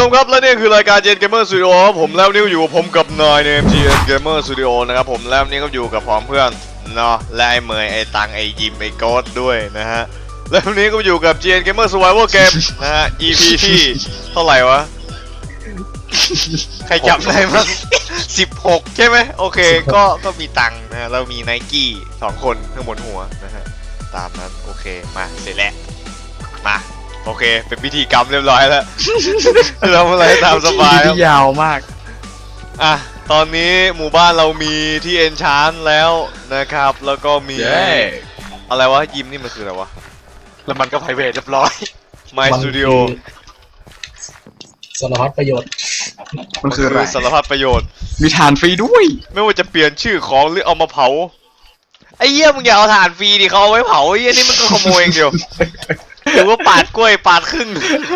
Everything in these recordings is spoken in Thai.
ชมครับและนี่คือรายการ Gen Gamer Studio ครับผมแล้วนิ้วอยู่ผมกับนายใน Gen Gamer Studio นะครับผมแล้วนี่ก็อยู่กับพร้อมเพื่อนเนาะและไอ้เมยไอ้ตังไอ้ยิมไอ้โก๊ดด้วยนะฮะแล้วนี้ก็อยู่กับ Gen Gamer Survival Game นะฮะ EP ที่เท่าไหร่วะใครจำได้มั้ง16ใช่ไหมโอเคก็มีตังนะฮะเรามีไนกี้2คนข้างบนหัวนะฮะตามนั้นโอเคมาเสร็จแล้วมาโอเคเป็นพิธีกรรมเรียบร้อยแล้วเราอะไรตามสบายครับยาวมากอ่ะตอนนี้หมู่บ้านเรามีที่เอนชานแล้วนะครับแล้วก็มีอะไรวะยิมนี่มันคืออะไรวะแล้วมันก็ไพรเวทเรียบร้อย My Studio สารพัดประโยชน์มันคือสารพัดประโยชน์มีฐานฟรีด้วยไม่ว่าจะเปลี่ยนชื่อของหรือเอามาเผาไอ้เหี้ยมึงอย่าเอาถ่านฟรีดิเขาเอาไว้เผาไอ้เหี้ยนี่มันก็ขโมยเองเดียวหรือว่าปาดกล้วยปาดครึ่ง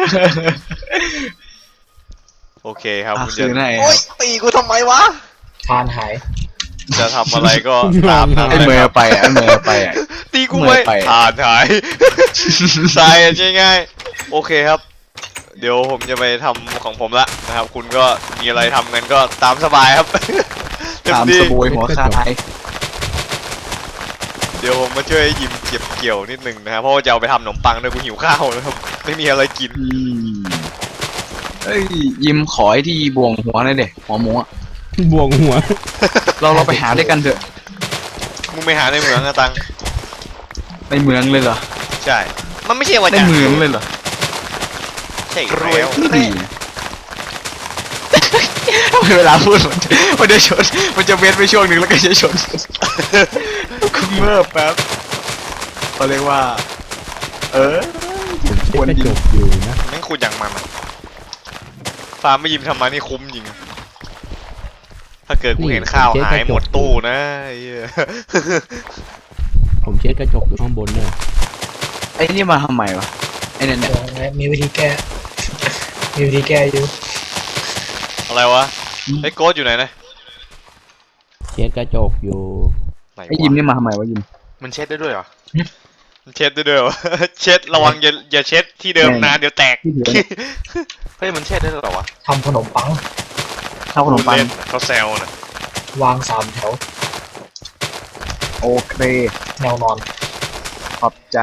โอเคครับคุณจะโอ๊ยตีกูทำไมวะทานหายจะทำอะไรก็ตามนั้นไอ้เมย์ไปไอ้เมย์ไปตีกูไม่ถ่านหายใช่ง่ายๆโอเคครับเดี๋ยวผมจะไปทำของผมละนะครับคุณก็มีอะไรทำกันก็ตามสบายครับตามสบายหัวคายเดี๋ยวผมมาช่วยยิมเก็บเกี่ยวนิดนึงนะครับเพราะว่าจะเอาไปทำขนมปังด้วยกูหิวข้าวนะครับไม่มีอะไรกินเอ้ยยิมขอไอ้ที่บวงหัวหน่อยเด็หัวหมูอะบวงหัวเราไปหาด้วยกันเถอะมึงไปหาในเมืองนะตังในเมืองเลยเหรอใช่มันไม่ใช่ว่าในเมืองเลยเหรอใช่แล้วเวลาพูดมันจะชนมันจะเว้นไปช่วงหนึ่งแล้วก็จะชนคุณเมื่อแป๊บเขาเรียกว่าควรจบอยู่นะแม่งขุดอย่างมันฟาร์มไม่ยิมทำมานี่คุ้มจริงถ้าเกิดกูเห็นข้าวหายหมดตู้นะผมเช็ดกระจกอยู่ข้างบนเนี่ยไอ้นี่มาทำไมวะไอ้เนี่ยมีวิธีแก้อยู่อะไรวะไอ้โก๊ดอยู่ไหนนะเช็ดกระจกอยู่ไอ้ยิมนี่มาทำไมวะยิมมันเช็ดได้ด้วยเหรอมันเช็ดได้ด้วยเหรอเช็ดระวังอย่าเช็ดที่เดิมนานเดี๋ยวแตกเฮ้ยมันเช็ดได้หรอวะทำขนมปังเขาแซวนะวาง3 แถวโอเคแนวนอนขอบใจ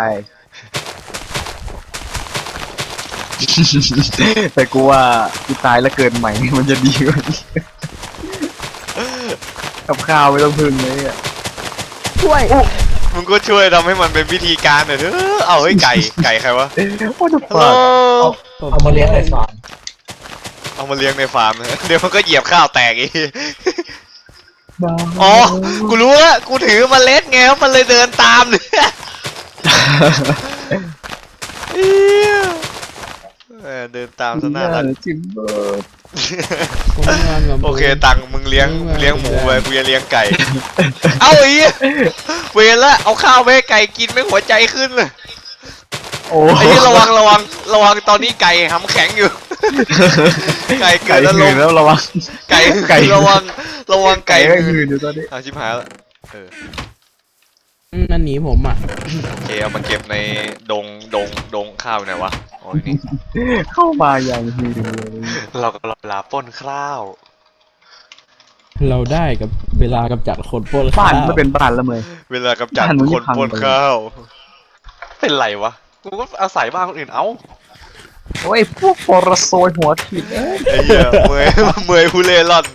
แต่กูว่ากูตายแล้วเกิดใหม่มันจะดีกว่านี้กับข้าวไม่ต้องพึ่งเลยอ่ะช่วยมึงก็ช่วยทำให้มันเป็นวิธีการหน่อยเถอะเอาเฮ้ยไก่ใครวะเอามาเลี้ยงในฟาร์มเดี๋ยวมันก็เหยียบข้าวแตกอีกอ๋อกูรู้แล้วกูถือเมล็ดไงครับมันเลยเดินตามเลยเดินตามซะหน้ารักโอเคตังมึงเลี้ยงหมูไปกูจะเลี้ยงไก่เอาอีเวรละเอาข้าวไปให้ไก่กินไม่หัวใจขึ้นเลยไอ้ที่ระวังตอนนี้ไก่หำแข็งอยู่ไก่เกิดแล้วระวังไก่ระวังไก่หืนอยู่ตอนนี้ชิบหายแล้วนั่นหนีผมอ่ะโอเคเอามาเก็บในดงข้าวไหนวะโอ้ยนี่เข้ามาอย่างหืนเลยเราก็เวลาป้นข้าวเราได้กับเวลากำจัดคนป้นบ้านไม่เป็นบ้านแล้วเลยเวลากำจัดคนป้นข้าวเป็นไรวะกูก็อาศัยบ้านคนอื่นเอ้าโอ้ยพวกฟอร์โซยหัวถิ่นไอ้เหี้ยเมยผู้เล่ร่อน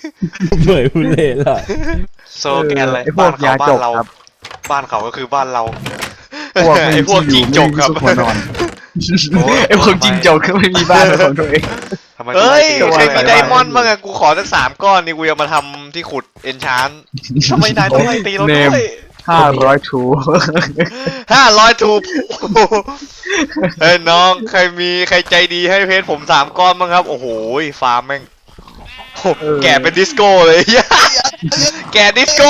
โซแกนอะไรบ้านเขาบ้านเราบ้านเขาก็คือบ้านเราไอ้พวกจิงจกครับไอ้พวกจิงจกก็ไม่มีบ้านของตัวเองเฮ้ยใครมีไดมอนด์บ้างอะกูขอสัก3 ก้อนนี่กูจะมาทำที่ขุดเอนชานทำไมนายต้องไล่ตีเราด้วย 500 ทูเฮ้ยน้องใครใจดีให้เพชรผม3 ก้อนบ้างครับโอ้โหฟาร์มแม่งแกเป็นดิสโก้เลยแกดิสโก้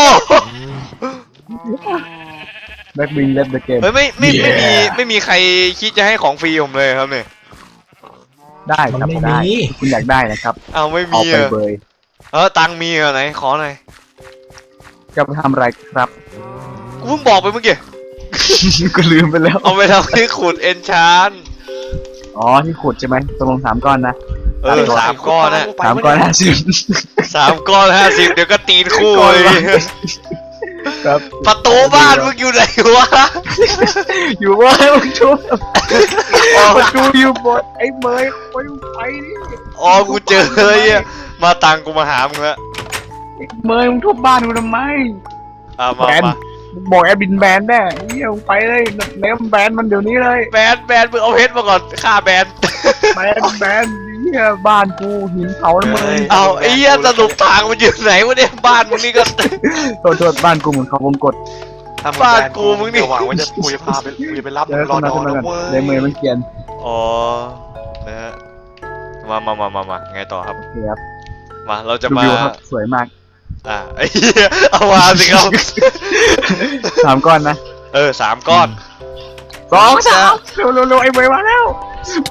แบ็คบิงเล็บเดอะเกมเฮ้ยไม่มีใครคิดจะให้ของฟรีผมเลยครับเนี่ยได้ครับได้คุณอยากได้นะครับเอาไม่มีตังมีไหนขอหน่อยจะไปทำอะไรครับกูเพิ่งบอกไปเมื่อกี้กูลืมไปแล้วเอาไปทำที่ขุดเอนชานอ๋อที่ขุดใช่ไหมตกลง3 ก้อนนะ 3 ก้อนนะ 3 ก้อน 50 3 ก้อน 50เดี๋ยวก็ตีนคู่เลยครับประตูบ้านมึงอยู่ไหนวะอยู่ว่ามึงชุบประตูอยู่บนไอ้เมย์ไปนี่อ๋อกูเจอเลยอ่ะมาตังกูมาหามึงแล้วเมย์มึงทุบบ้านกูทำไมมาแบนบอกแอดบินแบนแน่เฮียมึงไปเลยเนมแบนมันเดี๋ยวนี้เลยแบนมึงเอาเพชรมาก่อนฆ่าแบนแบนเฮียบ้านกูหินเผาแล้วมึงเอาไอ้เหี้ยสรุปทางมันอยู่ไหนวะเนี่ยบ้านมึงนี่ก็โทษบ้านกูเหมือนเขาวงกดบ้านกูมึงนี่หวังว่ากูจะพาไปไปรับเดี๋มึยวงรอขึ้นนมาอนขึ้นมานะ เว้ยก่อนเลยเมย์มันเกลียนอ๋อนะฮะมาไงต่อครับโอเคครับมาเราจะดูมาวิวครับสวยมากไอ้เหี้ยเอามาสิครับ 3 ก้อนนะ 3 ก้อน 2 3เร็วไอ้เมย์มาแล้วไป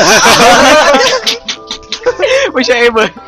ไม่ใช่ไอ้เมย์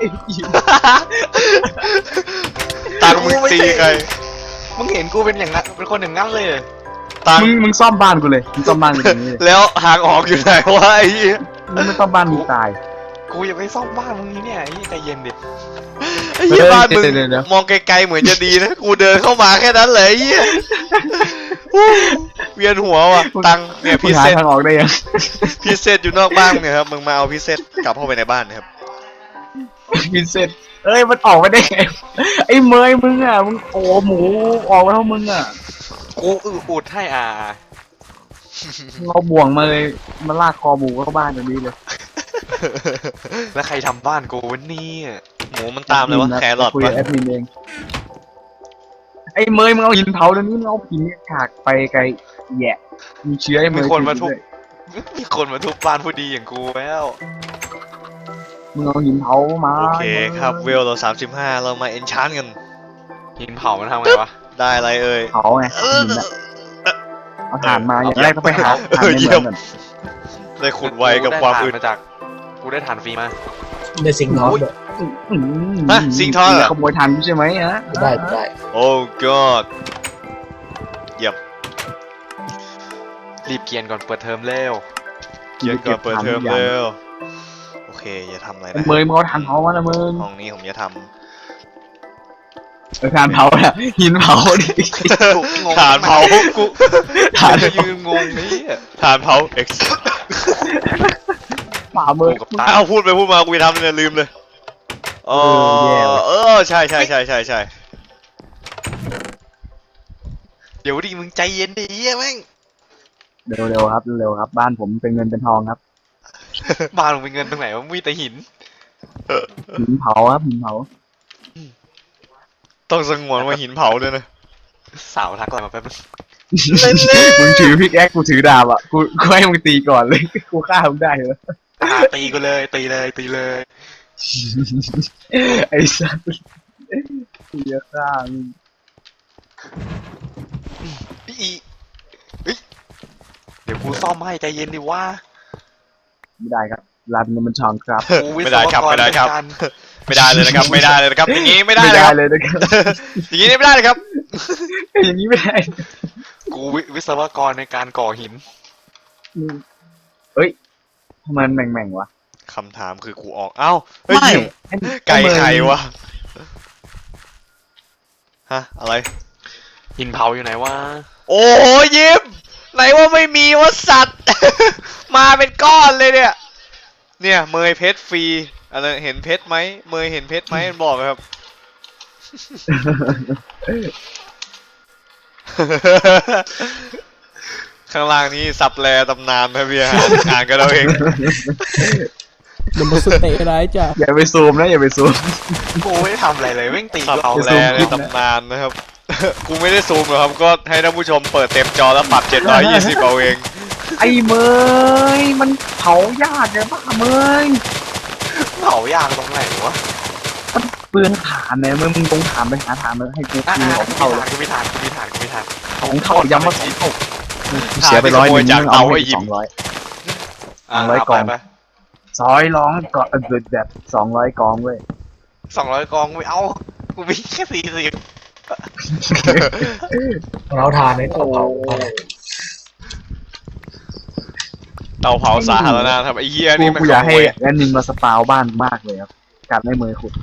ตังมึงตีใครมึงเห็นกูเป็นอย่างนั้นเป็นคนอย่างนั้นเลยตังมึงซ่อมบ้านกูเลยมึงซ่อมบ้านกูตรงนี้เลยแล้วทางออกอยู่ไหนวะไอ้เหี้ยมึงไม่ซ่อมบ้านมึงตายกูอย่าไปซ่อมบ้านมึงนี่เนี่ยไอ้ใจเย็นดิไอ้เหี้ยบ้านมึงเดี๋ยวมองไกลๆเหมือนจะดีนะกูเดินเข้ามาแค่นั้นเลยไอ้เหี้ยอู้เวียนหัวว่ะตังเนี่ยมึพิงหาเศษทางออกได้ยังพิเศษอยู่นอกบ้านเนี่ยครับมึงมาเอาพิเศษกลับเข้าไปในบ้านนะครับพินเซนเอ้ยมันออกมาได้ไงไอ้เมย์มึงอ่ะมึงโอ้หมูออกมาเท่ามึงอ่ะกูอุดให้เราบ่วงมาเลยมาลากคอหมูเข้าบ้านตรงนี้เลยแล้วใครทำบ้านกูวันนี้หมูมันตามเลยวะแครอทคุยวะกับแอดมินเองไอ้เมย์มึงเอาหินเผาตรงนี้มึงเอาหินฉากไปไกลแย่มีเชื้อไอ้เมมีย์คนมาทุบมีคนมาทุบบ้านผู้ดีอย่างกูแล้วมึงเอาหินเผามาโอเคครับเวลเรา35เรามาเอนชานกันหินเผามันทำไงวะได้อะไรเอ่ยเผาไงหินอะเอาถ่านมาอย่างแรกต้องไปหาถ่านในเยี่เมืยอมงก่อนได้ขุดไวกับความอึดกูได้ถ่านฟรีมาเดอะสิงห์ทองด้วยฮะสิงห์ทองเหรอขโมยถ่านกูใช่ไหมฮะได้โอ้ god เยี่ยมรีบเกียนก่อนเปิดเทอมเร็วเย็นก่อนเปิดเทอมเร็วโอเคอย่าทำอะไรไอ้นะเมย์มึงเอาถ่านเผามาละมึงห้องนี้ผมจะทถ่านเผาอะหินเผาดิำฐานเผากูถ่านยืนงงนี่ฐานเผา X ฝ่ามือกูกับตาอ้าวพูดไปพูดมากูจะทำเนี่ยลืมเลยอ๋อแย่ว่ะใช่เดี๋ยวดิมึงใจเย็นดิเหี้ยแม่งเร็วๆครับเร็วๆครับ บ้านผมเป็นเงินเป็นทองครับบ้านมึงเป็นเงินตรงไหนวะมีแต่หินหินเผาครับหินเผาต้องสงวนว่าหินเผาด้วยนะสาวทักอะไรมาแป๊บนึงมึงถือพิกแอคกูถือดาบอ่ะกูให้มึงตีก่อนเลยกูฆ่ามึงได้เหรอตีกูเลยตีเลยไอ้สัสตีจะฆ่ามึงอีเฮ้ยเดี๋ยวกูซ่อมให้ใจเย็นดิว่าไม่ได้ครับร้านเงินมันช่องครับกูวิศไม่ได้วครับกรไม่ได้ครับเหอนกันไม่ได้เลยนะครับไม่ได้เลยนะครับอย่างนี้ไม่ได้ไม่เลยได้ครับเลยนะครับอย่างนี้ไม่ได้เลยครับอย่างนี้ไม่ได้กูวิศวกรในการก่อหินเฮ้ยทำไมมันแหม่งๆวะคำถามคือกูออกเอ้าเฮ้ยยิม ไก่ไข่วะฮะอะไรหินเผาอยู่ไหนวะโอ้ยยิมไหนว่าไม่มีวะสัตว์ มาเป็นก้อนเลยเนี่ยเนี่ยเมยเพชรฟรีอะไรเห็นเพชรไหมเมยเห็นเพชรไหมมันบอกครับ ข้างล่างนี้สับแลตำนานนะพี่ฮะอ่านกันเราเองเดมอนสเตย์ร้ายจ้ะอย่าไปซูมนะอย่าไปซูมกูไม่ได้ทำอะไรเลยแม่งตีสับกูเอาแลในตำนานนะครับ กูไม่ได้ซูมหรอกครับก็ให้ท่านผู้ชมเปิดเต็มจอแล้วปรับ720เอาเองไอ้เมยมันเผายากเลยป่ะเมยเผายางตรงไหนวะเปลืองฐานเนี่ยมึงตรงฐานไปหาฐานมาให้กูอ่ะกินของเท่าเลยกูไม่ทานของเท่าย้ำว่าสองเท่าเสียไป100นึงมึงเอาไป200 200กล่องไปซอยร้องก่อนแบบ200กองเว้ย 200 กองไม่เอากูมีแค่40 เราทานในเตาเผาเตาเผาสาธารณะครับไอ้เหี้ยนี่มันกูขอยากโมให้ยแอดมินมาสปาวบ้านมากเลยครับการให้เมย์ขุด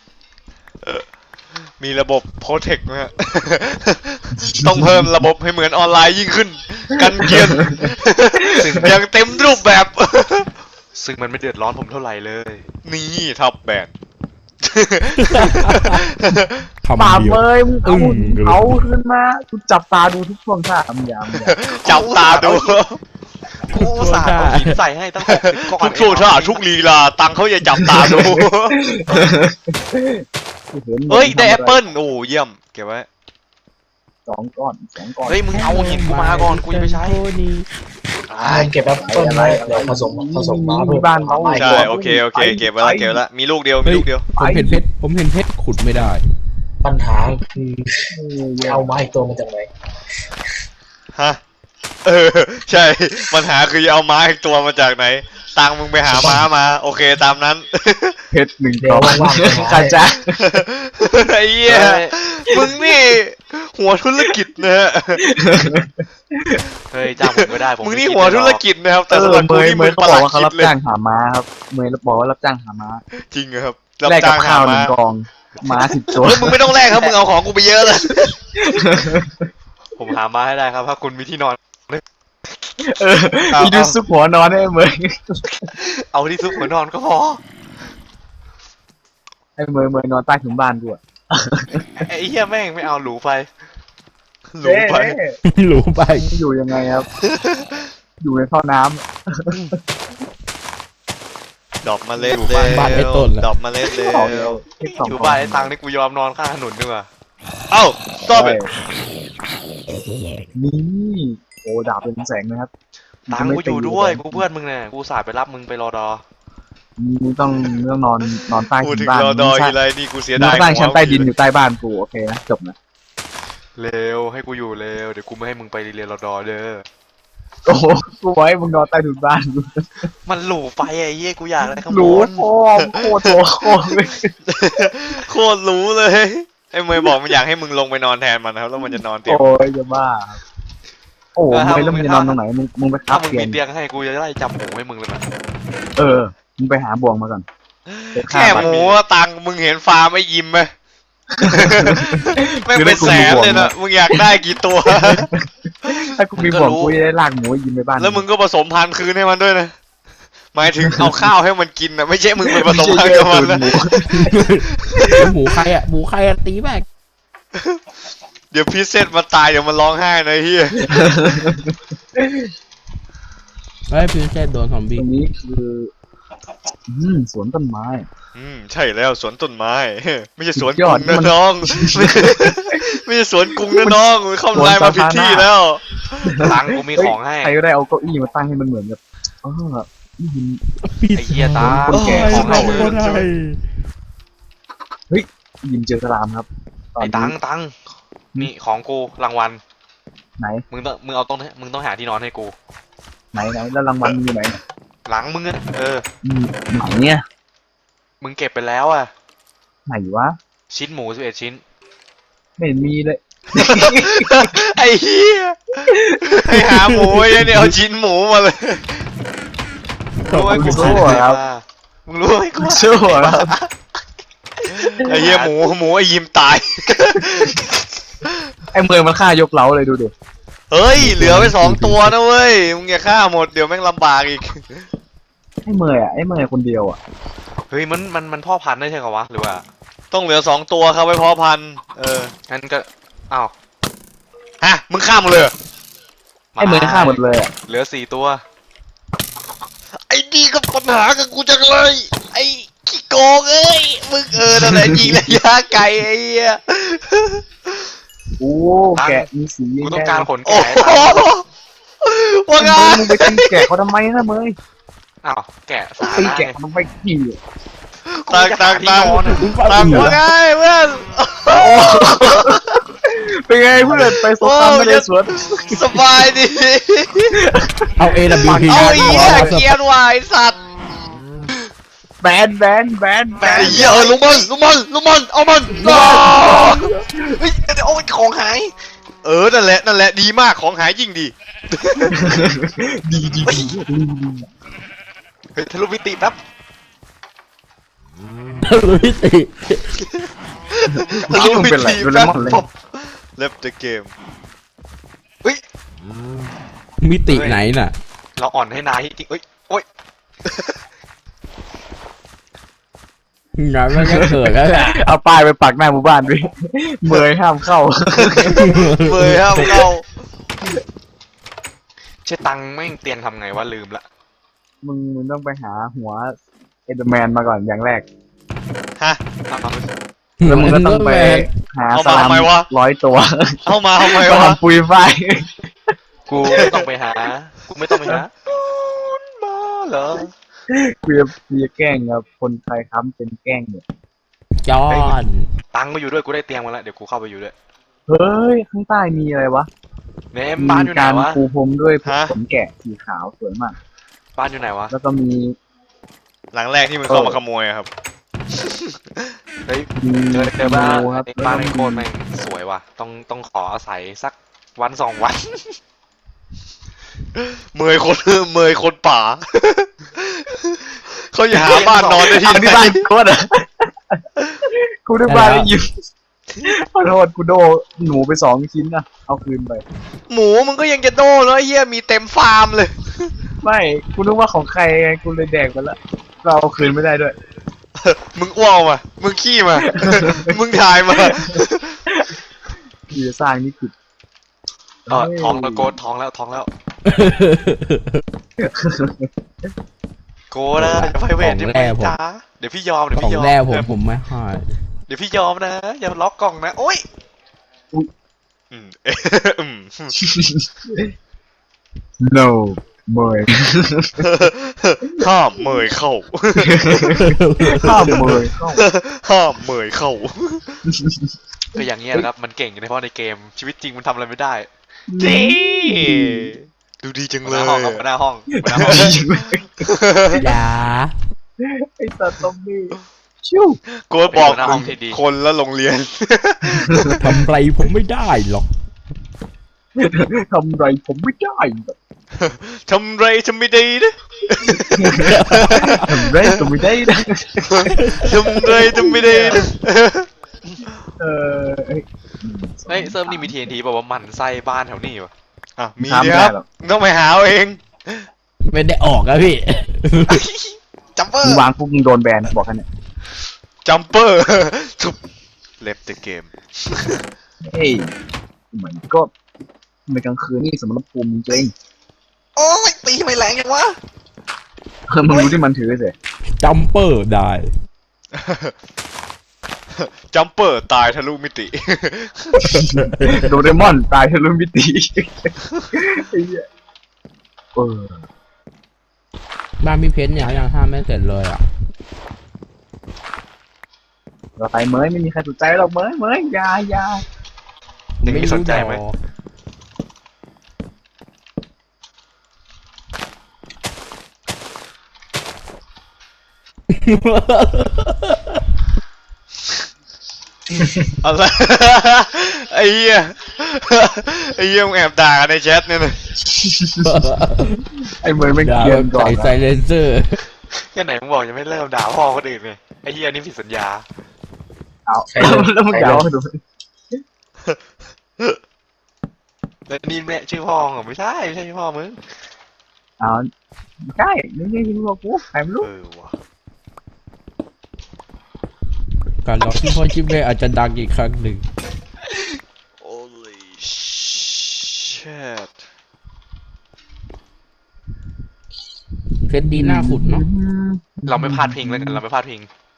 มีระบบโปรเทคนะฮะ ต้องเพิ่มระบบให้เหมือนออนไลน์ยิ่งขึ้น กันเกียน อย่างเต็มรูปแบบซึ่งมันไม่เดือดร้อนผมเท่าไหร่เลยนี่ท็อปแบนคำป่าเดียวเมย์มึงเอาอึ้งเลยเอาขึ้นมากูจับตาดูทุกช่วงท่ามึงอย่าจับตาดูกูอุตส่าห์เอาหินใส่ให้ตั้ง60ก้อนทุกโทษท่าทุกลีลาตังเขาอย่าจับตาดู เฮ้ย ได้แอปเปิ้ลโอ้เยี่ยม เก็บไว้สองก้อนเฮ้ยมึงเอาหินกูมาก่อนกูจะไปใช้เก็บแอปเปิ้ลไว้เดี๋ยวผสมมาเพิ่มบ้านเขาใช่ โอเค เก็บไว้ละเก็บไว้ละมีลูกเดียว มีเฮ้ยลูกเดียวผมเห็นเพชรขุดไม่ได้ปัญหาคือเอาไม้อีกตัวมาจากไหนฮะ เออ ใช่ ปัญหาคือจะเอาม้าอีกตัวมาจากไหน ตังมึงไปหาม้ามา โอเคตามนั้นเพชรหนึ่งเดี๋ยก้วอนว่างๆไปหาข้าจ้าไอ้เหี้ย มึงนี่ หัวธุรกิจนะฮะเฮ้ยจ้างผมก็ได้ผมมึงไนี่หัวธุรกิจนะครับ แต่สำหรับเมกูย์นี่เมมึงย์ปเขาระหบลัอกดว่าเขาคิรัดบเลยจ้างหาม้าครับเมย์บอกว่ารับจ้างหาม้าจริงครับรับแลกกัจ้าบงหาข้าวหนึ่ม้างกองม้า10 ตัวเฮ้ยมึงไม่ต้องแลกครับ มึงเอาของกูไปเยอะเลยผมหามาให้ได้ครับถ้าคุณมีที่นอนมีดูซุปหัวนอนให้เมย์เอาที่ซุกหัวนอนก็พอให้เมย์นอนใต้ถุนบ้านด้วยไอ้เหี้ยแม่งไม่เอาหรูไปหลงไปหลูไปอยู่ยังไงครับ อยู่ในท่อน้ดอกเมาเล็ดอยู่เร็บ้านไอ้ต้นเหรอดอกเมาเล็ดเร็ำวอยู่บ้านไอ้ตังค์นี่กูยอมนอนข้างถนนดีกว่าเอ้า stop it นี่โอ้ดาบเป็นแสงนะครับตังค์กูอยู่ด้วยกูเพื่อนมึงเนี่ยกูสายไปรับมึงไปรอดอมึงต้องนอนใต้พูดถุนถึงบ้านรอดอมึงทีสร้างไรนี่กูเสียมึดาง ยสร้างชั้นใต้ดินหัวอยู่ใต้บ้านกูโอเคนะจบนะเร็วให้กูอยู่เร็วเดี๋ยวกูไม่ให้มึงไปเรียนรอดอเด้อโอ้โหกูไว้มึงนอนใต้ถุนบ้านกูมันหรูไปไอ้เหี้ยกูอยากอะไรข้างบรู้นพ่อโคตรโตโคตรเลยโคตรรู้เลย ไอ้เมย์บอกมันอยากให้มึงลงไปนอนแทนมันนะครับ แล้วมันจะนอนเตียงโอ้ยจะบ้าโอ้ไม่แล้วมึงจะนอนตรงไหนมึงไปครัถ้าบมึงเตียมีงเตียงให้กูจะได้จับหมูให้มึงเลยนะมึงไปหาบ่วงมาก่อนไปฆ่าแค่มันหมูอะตังค์มึงเห็นฟาร์มไอ้ยิมไหม ไม่เป็นแสนเลยนะมึงอยากได้กี่ตัวถ้ากูมีบ่วงกูจะได้ลากหมูยิงไปบ้านแล้วมึงก็ผสมพันธุ์คืนให้มันด้วยนะ หมายถึงเอาข้าวให้มันกินนะไม่ใช่มึงไปผสมพันธุ์กับมันนะหมูใครอะตีแบกเดี๋ยวพีเซตมาตายเดี๋ยวมันร้องไห้นะเฮียเฮ้ยพิวเซตโดนซอมตบี้รงนี้คือสวนต้นไม้ใช่แล้วสวนต้นไม้ ไม่ใช่สวนสุดยกอรุดงนะมันน้อง ไม่ใช่สวนกรุงนะน้องเข้าไลน์มาผิดที่แล้วตังค์กูมีของให้ใครก็ได้เอาเก้าอี้มาตั้งให้มันเหมือนกับนี่ยินไอ้เหี้ยตาคนแก่ของให้มึงยินเจอสลามครับตอนไอ้นี้ตังค์มีของกูรางวัลไหนมึงต้องหาที่นอนให้กูไหนแล้วรางวัลมึงอยู่ไหนหลังมึงอะไหนเนี่ยมึงเก็บไปแล้วอะไหนวะชิ้นหมู11ชิ้นไม่เห็นมีเลยไอ้เฮียให้หาหมูไอ้เนี่ยเอาชิ้นหมูมาเลยรู้ไหมกูชั่วครับมึงรู้ไหมกูชั่วครับไอ้เฮียหมูไอ้ยิมตายไอ้เมย์มันฆ่ายกเล้าเลยดูดิเฮ้ยเหลือไป2 ตัวนะเว้ยมึงอย่าฆ่าหมดเดี๋ยวแม่งลำบากอีกไอ้เมย์คนเดียวอ่ะเฮ้ยมันพ่อพันธุ์ได้ใช่เหรอวะหรือว่าต้องเหลือ2 ตัวครับไว้เพาะพันธุ์งั้นก็อ้าวฮะมึงฆ่าหมดเลยเหรอไอ้เมย์ฆ่าหมดเลยอ่ะเหลือ4ตัวไอ้ดีกับปัญหากับกูจังเลย ไอ้ขี้โกงเอ้ยมึงนั่นแหละยิงระยะไกลไอ้เหี้ยโอ้แกะมีสีกูต้องการขนโอ้แกะโหว่าไงมึงไปตีแกะเขาทำไมนะเมย์อ้าวแกะสาตีระแกะมันไปขี่ตังที่นอนอะตังว่าไงเพื่อนเป็นไงเพื่อนไปสงครามทะเลสวนสบายดีเอา AWP เอาไอ้เหี้ยเกรียนวายสัตว์แบนไอ้เหี้ยลุงมันเอามันเฮ้ยเดี๋ยวเอาของหายนั่นแหละนั่นแหละดีมากของหายยิ่งดีดีเฮ้ยทะลุมิติแป๊บรู้พิติรู้วิเป็นไรธีโดเรแป๊บมอนเลยผมเล็บเดอะเกมเฮ้ยมิติไหนน่ะเราอ่อนให้นายจริงเอ้ยโอ้ยงานมันก็เกิดแล้วแหละเอาป้ายไปปักหน้าหมู่บ้านด้วยเมยห้ามเข้าเบยห้ามเข้าเชตังแม่งเตียงทำไงวะลืมละมึงต้องไปหาหัวเอเดอร์แมนมาก่อนอย่างแรกฮะเอามาแล้วมึงก็ต้องไปหาเอาสมาลามทำไมวะ 100 ตัวเอามาทำไมก็วะทำปุยฝ้ายกูไม่ต้องไปหากูไม่ต้องไปหามาเหรอกูจะแกล้งกับคนไทยค้ำเป็นแกล้งเนี่ยจอนตังมาอยู่ด้วยกูได้เตียงมาแล้วเดี๋ยวกูเข้าไปอยู่ด้วยเฮ้ย ข้างใต้มีอะไรวะเนมบ้านอยู่ไหนการวะปูพรมด้วยขนแกะสีขาวสวยมากบ้านอยู่ไหนวะแล้วก็มีหลังแรกที่มึงเข้ามาขโมยอะครับเฮ้ยมีเจอบ้านงูครับไอ้บ้านไอ้โคตรแม่งสวยว่ะต้องขออาศัยสักวันสองวันเมยคนเมยคนป่า เขาอย่าหาบ้านนอนได้ที่เอาไหที่นบ้านโคตรอ่ะกูได้บ้านแล้วยิมขอโทษกูโดหนูไป2 ชิ้นนะเอาคืนไปหมูมึงก็ยังจะโดนแล้วไอ้เหี้ยมีเต็มฟาร์มเลยไม่กูนึกว่าของใครไงกูเลยแดกไปแล้วเราเอาคืนไม่ได้ด้วยมึงอ้วกมามึงขี้มา มึงถ่ายมากูจะสร้างนี่ผิดทองแล้วโกดทองแล้วโกดนะอย่าไฟเวทอย่าไปจ้าเดี๋ยวพี่ยอมเดี๋ยวของพี่ยอมแรกผมไม่ให้เดี๋ยวพี่ยอมนะอย่าล็อกกล่องนะโอ๊ยอืม no เมยห้ามเมยเข้าข้ามเมยเข้าห้ามเมยเข้าก็อย่างเงี้ยนะครับมันเก่งเฉพาะในเกมชีวิตจริงมันทำอะไรไม่ได้ดีดูดีจังหัวเลหน้าย ห้องครับหัวหน้าห้องหัวหน้าห้องอย่าไอ้สัตว์ซอมบี้ชิวกูบอกหัวหน้าห้องที่ดีคนละโรงเรียนทำไรผมไม่ได้หรอกทำไรผมไม่ได้ทำไรทำไม่ดีนะทำไรก็ไม่ได้นะทำไรทำไม่ดีนะเออเอ้ยเฮ้ยเซิร์ฟนี่มี TNT บอกว่ามันไส้บ้านแถวนี้วะอ่ะมีทำไม่คได้รับหรอกต้องไปหาเอาเองไม่ได้ออกอะพี่จัมเปอมึงร์วางปุ๊บมึงโดนแบนบอกกันเนี่ยจัมเปอร์ ทุบเล็บเดอะเกมเฮ้ยเหมือนก็ในกลางคืนนี่สมรภูมิจริงโอ้ยตีไม่แรงยังวะมึงรู้ที่มันถือสิจัมเปอร์ได้จัมเปอร์ตายทะลุมิติโดเรมอนตายทะลุมิติไอ้เหี้ยเออบ้านพี่เพชรเนี่ยยังห้ามไม่เสร็จเลยอ่ะเราไปเมยไม่มีใครสนใจหรอกเมยอยาหนึ่งมีสนใจไหมอะไร ไอ้เหี้ย ไอ้เหี้ยมึงแอบด่ากันในแชทเนี่ยนะไอ้เมยไม่ด่าเกียแบนบก่อนใส่ไซเลนเซอร์แค่ไหนมึงบอกยังไม่เริ่มด่าพ่อคนอื่นไงไอ้เหี้ยนี่ผิดสัญญาเอาแล้วมึงเดาดูแล้วนี่แม่ชื่อพ่อเหรอไม่ใช่ชื่อพ่อมึงเอาใช่ไม่ใช่ที่บอกกูใครไม่รู้ว่ะการรอที่พ่อชิเบะอาจจะดังอีกครั้งหนึ่ง Holy shit เพชรดีหน้าขุดเนาะเราไม่พลาดพิงแล้วกันเราไม่พลาดพิง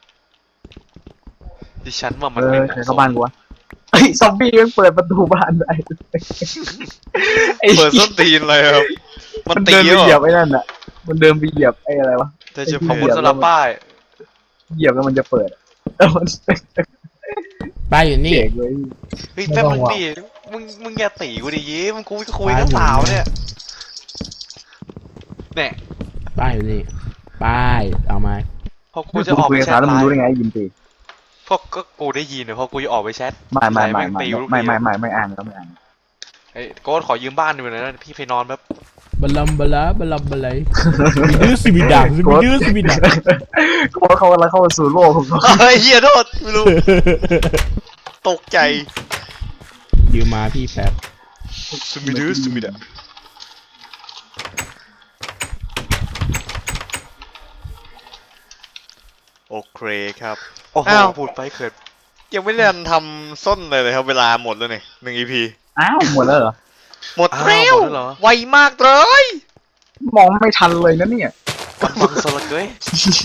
ดิฉันว่ามันเอไม่อเหใครมาะสเข้าม บ้านกูวะไอ้ซอมบี้มันเปิดประตูบ้านได้ไอ้เปิดส้นตีนเลยครับ มันมันตีเดินไปเหรเหยียบอไอ้นั่นอ่ะมันเดินไปเหยียบไอ้อะไรวะแต่จะขอบเปิคุณดสำหรับป้ายเหยียบแล้วมันจะเปิดแล้วมันป้ายอยู่นี่เก่งเลยเฮ้ยแป๊บมึงดิมึงอย่าตีกูดิยิ้มกูคุยกับสาวเนี่ยเนี่ยป้ายอยู่นี่ ป้าย เอามาพอกูจะออกคุไปยกับแชสาวทแล้วไลมึงรู้ได้น์ไงยินตีพวกก็กูได้ยินเนี่ยพอกูจะออกไปแชทไม่แม่งตีลูกไม่อ่านแล้วไม่อ่านไอ้โก้ขอยืมบ้านหน่อยนะพี่ไปนอนแบบบัลลัมบัลลาบัลลัมบัลไลมีดื้อสิมีดังมีดื้อสิมีดังเขากำลังเข้าสู่โลกของเขาเฮ้ยเฮียโทษไม่รู้ตกใจยืมมาพี่แป๊บสุมิดื้อสุมิดะโอเคครับโอ้โหอ้าวพูดไปเขินยังไม่ได้ทำส้นเลยครับ เวลาหมดแล้วเนี่ย1 EP อ้าวหมดแล้วเหรอหมดเร็วหมดแล้วเหรอไวมากเลยมองไม่ทันเลยนะเนี่ยกำบังสลักเกย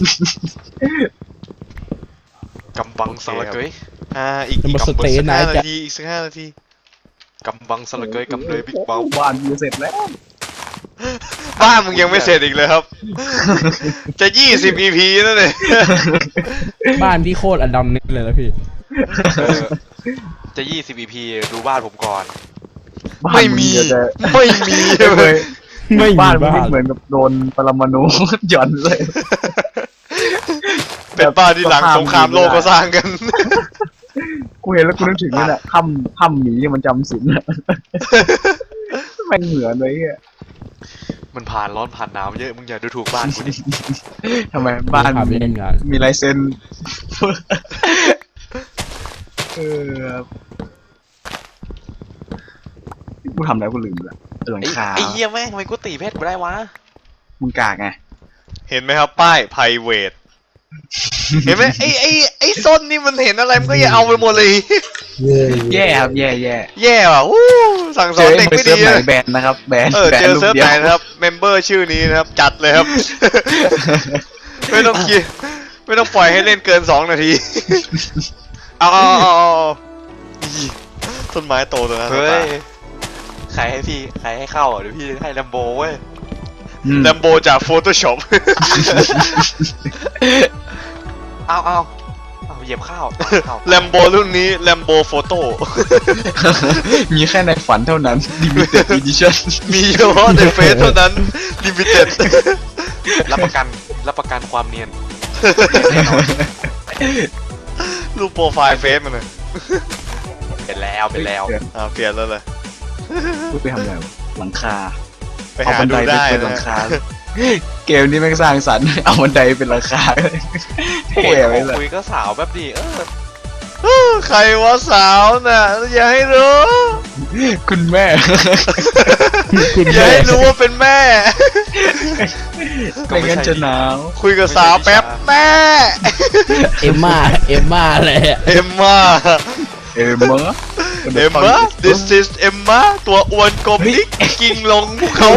กำบังสลักเกยอีกจะมาสสักเตย์ไหน 5 นาจะทีอีกสัก5 นาทีกำบังสลักเกยกำเลยบิ๊กเบาบ้านอยู่เสร็จแล้วบ้านมึงยังไม่เสร็จอีกเลยครับ จะ20 EP แล้วเนี่ยบ้านที่โคตรอดัมนี่เลยนะพี่จะ20 EP ดูบ้านผมก่อนไม่มี ไม่มีเลยไม่มีบ้านมันบ้าไม่นเหมือนกับโดนปรมาณู หย่อนเลยเป็นบ้านที่หลังสงครามโลกก็สร้างกันกูเห็นแล้วกูนึกถึงนี่แหละถ้ำหมีมันจำศีลอะแม่งเหมือนเลยอ่ะมันผ่านร้อนผ่านหนาวเยอะมึงอย่าดูถูกบ้านกูดิทำไมบ้านพาไปเล่นงานมีลายเซ็นกูทำอะไรกูลืมละหลังคาไอ้เหี้ยแม่งทำไมกูตีเพชรไม่ได้วะมึงกากไงเห็นไหมครับ ป้าย private เห็นไหมไอ้ส้นนี่มันเห็นอะไรมันก็อย่าเอาไปหมดเลยแย่ครับแย่แย่ว่ะอู้สั่งสเจอนอเด็กไปไม่เซิดีร์ฟไหนนะแบนนะครับแบนเจอลูกเซิร์ฟดียวไหนนะครับ เมมเบอร์ชื่อนี้นะครับ จัดเลยครับ ไม่ต้องคิดไม่ต้องปล่อยให้เล่นเกิน2 นาที เอาต้นไม้โตตรงนั้นเฮ้ยใครให้พี่ใครให้เข้าอ่ะเดี๋ยวพี่ให้ลัมโบเว้ยแลมโบจาก Photoshop เอาเหยียบข้าวเอาแลมโบรุ่นนี้แลมโบโฟโต้มีแค่ในฝันเท่านั้น limited edition มีเฉพาะในเฟซเท่านั้น limited รับประกันความเนียนรูปโปรไฟล์เฟซมันเลยเป็นแล้วเปลี่ยนแล้วเลยพูดไปทำอะไรวะหลังคาไปหาดูได้เป็นหลันะงคา เกมนี้แม่งสร้างสรรค์ เอาบันไดเป็นหลังคาเท่โอ้ยไปเลยคุยก็สาวแบบดีใครวะสาวน่ะอย่าให้รู้คุณแม่คุณอย่าแม่ให้รู้ว่าเป็นแม่ไม่งั้นจะหนาวคุยกับสาวแป๊บแม่เอมม่าเลยอะเอ็มมาเอ็มเมอร์เอ็มมา this is เอ็มมาตัวอ้วนกลมนิกกิ่งลงภูเขา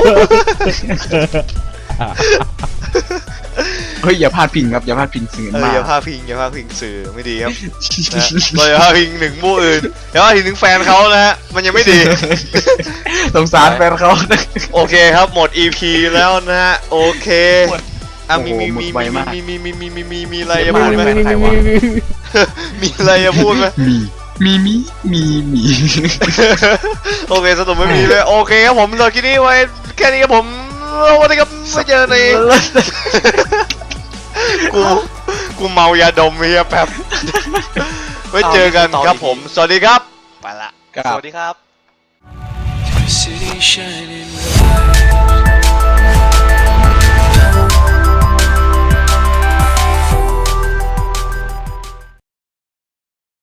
เฮ้ยอย่าพลาดพิงครับอย่าพลาดพิงสื่อมากอย่าพาพิงสื่อไม่ดีครับนะเราอย่าพาพิงถึงมู่อื่นอย่าพาพิงถึงแฟนเขานะฮะมันยังไม่ดีสงสารแฟนเขาโอเคครับหมด EP แล้วนะฮะโอเคอ่ะมีโอ้โหหมดไวมากมีอะไรจะพูดไหมมีอะไรจะพูดไหมมีโอเคสรุปไม่มีเลยโอเคครับผมเราคลิปนี้ไว้แค่นี้ครับผมสวัสดีครับไม่เจอในกูเมายาดมเฮียแป๊บไว้เจอกันครับผมสวัสดีครับไปละสวัสดีครับ City shining bright.